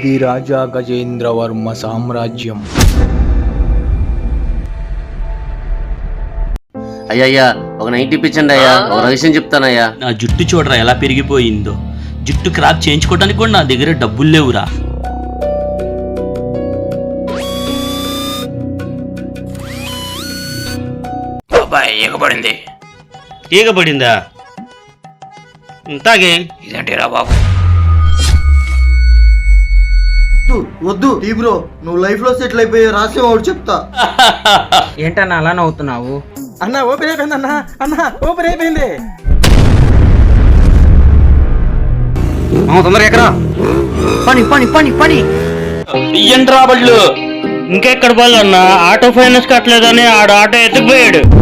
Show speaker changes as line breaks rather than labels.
ఇది రాజా గజేంద్రవర్మ సామ్రాజ్యం.
అయ్యా ఒక 90 ఇప్పించండి అయ్యా, ఒక రహస్యం చెప్తానయ్యా.
నా జుట్టు చూడరా ఎలా పెరిగిపోయిందో. జుట్టు క్రాప్ చేయించుకోవడానికి కూడా నా దగ్గర డబ్బులు లేవురా.
ఈగపడింది.
ఈగపడిందా? తాగే.
ఇదేంటిరా బాబు?
వద్దు టీ బ్రో, నువ్వు లైఫ్ లో సెటిల్ అయిపోయే రహస్యం ఒకటి చెప్తా.
ఏంటన్నా అలా నవ్వుతున్నావు?
అన్న ఓపెన్ అయిపోయింది అన్న, అన్న ఓపెన్ అయిపోయింది.
తొందరగా ఎక్కడా పని పని పని పని
ఇయ్యండి రా బళ్ళు. ఇంకెక్కడ పోవాలన్నా? ఆటో ఫైనాన్స్ కట్టలేదని ఆడు ఆటో ఎత్తుకుపోయాడు.